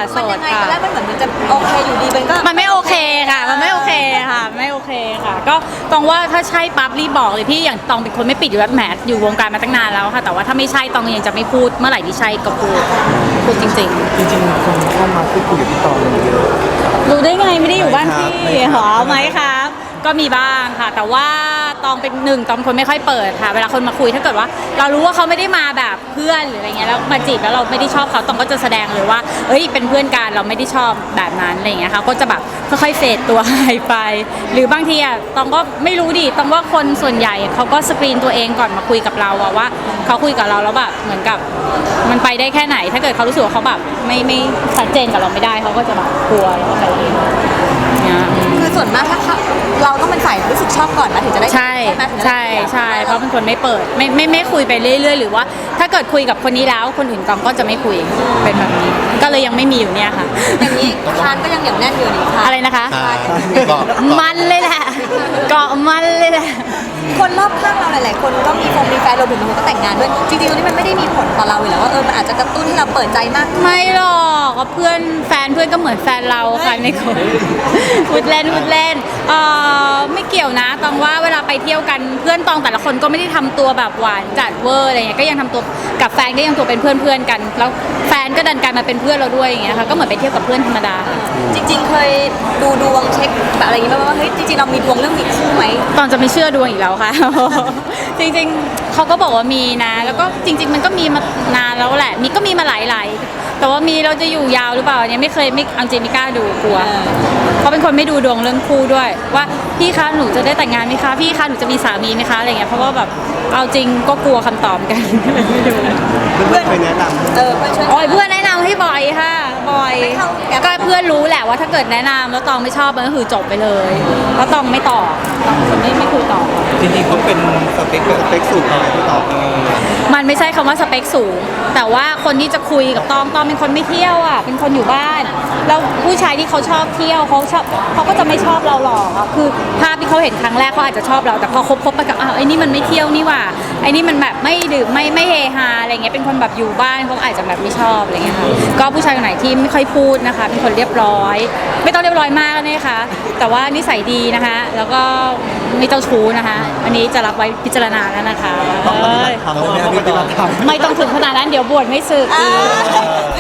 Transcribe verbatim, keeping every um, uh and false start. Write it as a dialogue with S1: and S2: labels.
S1: โส
S2: มัน
S1: ด
S2: ยังไงต
S1: ค่ะ
S2: อนแรกมันเหมือนมันจะโอเคอยู่ดีมันก็
S1: มันไม่โอเคค่ะ มันไม่โอเคค่ะ ไม่โอเคค่ะ ก็ตองว่าถ้าใช่ปั๊บรีบบอกเลยพี่อย่างตองเป็นคนไม่ปิดอยู่แล้วแหมอยู่วงการมาตั้งนานแล้วค่ะ แต่ว่าถ้าไม่ใช่ตองยังจะไม่พูดเมื่อไหร่ที่ใช่ก็พูดพูดจริง
S3: จริงๆคนเข้ามาพูดคุยกับพี่ตองเยอะ
S1: ๆรู้ได้ไงไม่ได้อยู่บ้านพี่
S3: ไม่ครับ
S1: หรอไหมครับ ก็มีบ้างค่ะ แต่ว่าตองเป็นหนึ่งตองเป็นคนไม่ค่อยเปิดค่ะ เวลาคนมาคุยถ้าเกิดว่า เรารู้ว่าเขาไม่ได้มาแบบเพื่อนหรืออะไรเงี้ยแล้วมาจีบแล้วเราไม่ได้ชอบเขาตองก็จะแสดงเลยว่าเอ้ยเป็นเพื่อนกันเราไม่ได้ชอบแบบนั้นอะไรเงี้ยค่ะก็จะแบบค่อยๆเฟดตัวหายไป หรือบางทีอะตองก็ไม่รู้ดิตองว่าคนส่วนใหญ่เขาก็สกรีนตัวเองก่อนมาคุยกับเราอะว่าเขาคุยกับเราแล้วแบบเหมือนกับมันไปได้แค่ไหน ถ้าเกิดเขารู้สึกว่าเขาแบบไม่ไม่ชัดเจนกับเราไม่ได้เขาก็จะแบบกลัวแล้วก็ไปเองเนี่ย
S2: คือส่วนมากถ้าเราต้องเป็นฝ่ายรู้สึกชอบก่อนนะถึงจะได้
S1: ใช่
S2: ไหมถึงจะได้
S1: ใช่ใช่เพราะเป็นคนไม่เปิดไม่ไม่ไม่คุยไปเรื่อยๆหรือว่าถ้าเกิดคุยกับคนนี้แล้วคนอื่นกองก็จะไม่คุยเป็นแบบนี้ ก็เลยยังไม่มีอยู่เนี่ยค่ะ
S2: อย่างนี้คานก็ยังเหนียวแน่นอยู่นี่ค่ะ
S1: อะไรนะคะ
S4: ใช่ก็
S1: มันเลยแหละเกาะมันเลยแหละ
S2: คนรอบข้างเราหลายๆคนก็มีคงมีแฟนรวมถึงบางคนก็แต่งงานด้วยจริงๆตรงนี้มันไม่ได้มีผลต่อเราอยู่แล้วว่าเออมันอาจจะกระตุ้นให้เราเปิดใจมากขึ้น
S1: ไม่หรอกก็เพื่อนแฟนเพื่อนก็เหมือนแฟนเราค่ะในคนพูดเล่นพูดเล่นเออไม่เกี่ยวนะตองว่าเวลาไปเที่ยวกันเพื่อนตองแต่ละคนก็ไม่ได้ทำตัวแบบหวานจัดเวอร์อะไรเงี้ยก็ยังทำตัวกับแฟนก็ยังตัวเป็นเพื่อนเพื่อนๆกันแล้วแฟนก็ดันกลายมาเป็นเพื่อนเราด้วยอย่างเงี้ยค่ะก็เหมือนไปเที่ยวกับเพื่อนธรรมดา
S2: จริงๆเคยดูดวงเช็คแบบอะไรอย่างงี้ไหมว่าเฮ้ยจริงๆเรามีดวงเรื่องมีคู่ไหม
S1: ตอนจะไม่เชื่อดวงอีกแล้วค่ะ จริงๆเขาก็บอกว่ามีนะ แล้วก็จริง ๆ มันก็มีมานานแล้วแหละ มีก็มีมาหลายๆ แต่ว่ามีเราจะอยู่ยาวหรือเปล่าเนี่ยไม่เคยไม่เอาจริงไม่กล้าดูกลัวเขาเป็นคนไม่ดูดวงเรื่องคู่ด้วย ว่าพี่คะหนูจะได้แต่งงานไหมคะพี่คะหนูจะมีสามีไหมคะอะไรเงี้ยเพราะว่าแบบเอาจริงก็กลัวคำตอบกัน ไม่ดู
S3: เพื่อนๆเคยแนะนำ
S2: เออเพื่อนช่วย
S1: โอ้ยเพื่อนแนะนำให้บ่อยค่ะบ่อย
S2: ไม่เข้าแอป
S1: ก็เพื่อนรู้แหละว่าถ้าเกิดแนะนำแล้วตองไม่ชอบมันก็คือจบไปเลยแล้วตองไม่ตอบตองเป็นคนไม่ไม่คุยต่อ
S3: จริงๆเขาเป็นสเปคแบบสเปคสูงอะไรพี่ตอง
S1: มันไม่ใช่คำว่าสเปคสูง แต่ว่าคนที่จะคุยกับตองตองเป็นคนไม่เที่ยวอ่ะเป็นคนอยู่บ้านแล้วผู้ชายที่เขาชอบเที่ยวเขาชอบเขาก็จะไม่ชอบเราหรอกอะคือภาพที่เขาเห็นครั้งแรกเขาอาจจะชอบเราแต่พอคบคบไปกับอ้าวไอ้นี่มันไม่เที่ยวนี่หว่าไอ้นี่มันแบบไม่ดื่มไม่ไม่เฮฮาอะไรเงี้ยเป็นคนแบบอยู่บ้านเขาอาจจะแบบไม่ชอบอะไรเงี้ยค่ะก็ผู้ชายคนไหนที่ไม่ค่อยพูดนะคะเป็นคนเรียบร้อย ไม่ต้องเรียบร้อยมากนะคะแต่ว่านิสัยดีนะคะแล้วก็ไม่เจ้าชู้นะคะ อันนี้จะรับไว้พิจารณาแล้วนะคะ
S3: ต้องปฏิบัติธรรมใช่ไหมครับพี่ตอง
S1: ไม่ต้องถึงขนาดนั้นเดี๋ยวบวชไม่สึกอีก